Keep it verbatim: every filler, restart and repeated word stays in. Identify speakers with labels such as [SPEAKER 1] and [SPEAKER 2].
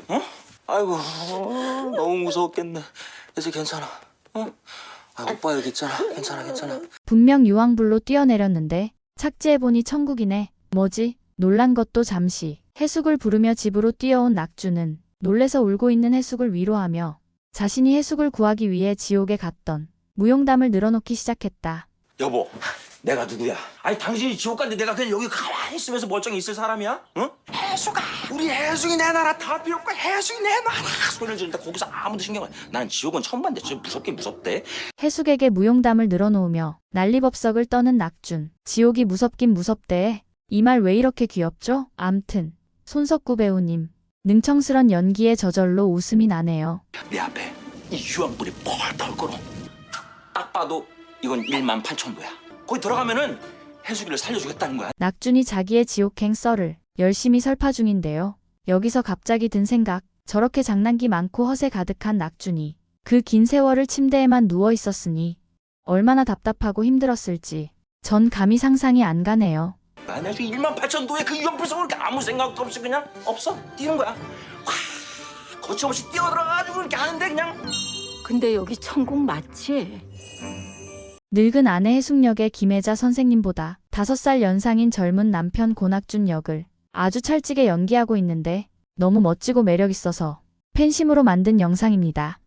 [SPEAKER 1] 어? 아이고 어, 너무 무서웠겠네. 이제 괜찮아. 어? 아, 오빠 여기 있잖아. 괜찮아 괜찮아.
[SPEAKER 2] 분명 유황불로 뛰어내렸는데 착지해보니 천국이네. 뭐지? 놀란 것도 잠시. 해숙을 부르며 집으로 뛰어온 낙주는 놀래서 울고 있는 해숙을 위로하며 자신이 해숙을 구하기 위해 지옥에 갔던 무용담을 늘어놓기 시작했다.
[SPEAKER 1] 여보, 내가 누구야? 아니 당신이 지옥 갔는데 내가 그냥 여기 가만히 있으면서 멀쩡히 있을 사람이야? 응? 해숙아, 우리 해숙이 내 나라 다 필요 없고 해숙이 내 나라 소리를 지르는데 거기서 아무도 신경 안. 난 지옥은 처음 봤는데 진짜 무섭긴 무섭대.
[SPEAKER 2] 해숙에게 무용담을 늘어놓으며 난리법석을 떠는 낙준. 지옥이 무섭긴 무섭대. 이 말 왜 이렇게 귀엽죠? 암튼 손석구 배우님 능청스런 연기에 저절로 웃음이 나네요.
[SPEAKER 1] 내 앞에 이 유황불이 펄펄 끓어. 딱 봐도 이건 일만 팔천 도야. 거기 들어가면은 해숙이를 살려주겠다는 거야.
[SPEAKER 2] 낙준이 자기의 지옥행 썰을 열심히 설파 중인데요. 여기서 갑자기 든 생각. 저렇게 장난기 많고 허세 가득한 낙준이 그 긴 세월을 침대에만 누워 있었으니 얼마나 답답하고 힘들었을지 전 감히 상상이 안 가네요.
[SPEAKER 1] 만약에 일만 팔천 도에 그 유황불 속을 아무 생각도 없이 그냥 없어 뛰는 거야. 와, 거침없이 뛰어들어가지고 이렇게 하는데 그냥.
[SPEAKER 3] 근데 여기 천국 맞지?
[SPEAKER 2] 늙은 아내 해숙역의 김혜자 선생님보다 다섯 살 연상인 젊은 남편 고낙준 역을 아주 찰지게 연기하고 있는데 너무 멋지고 매력있어서 팬심으로 만든 영상입니다.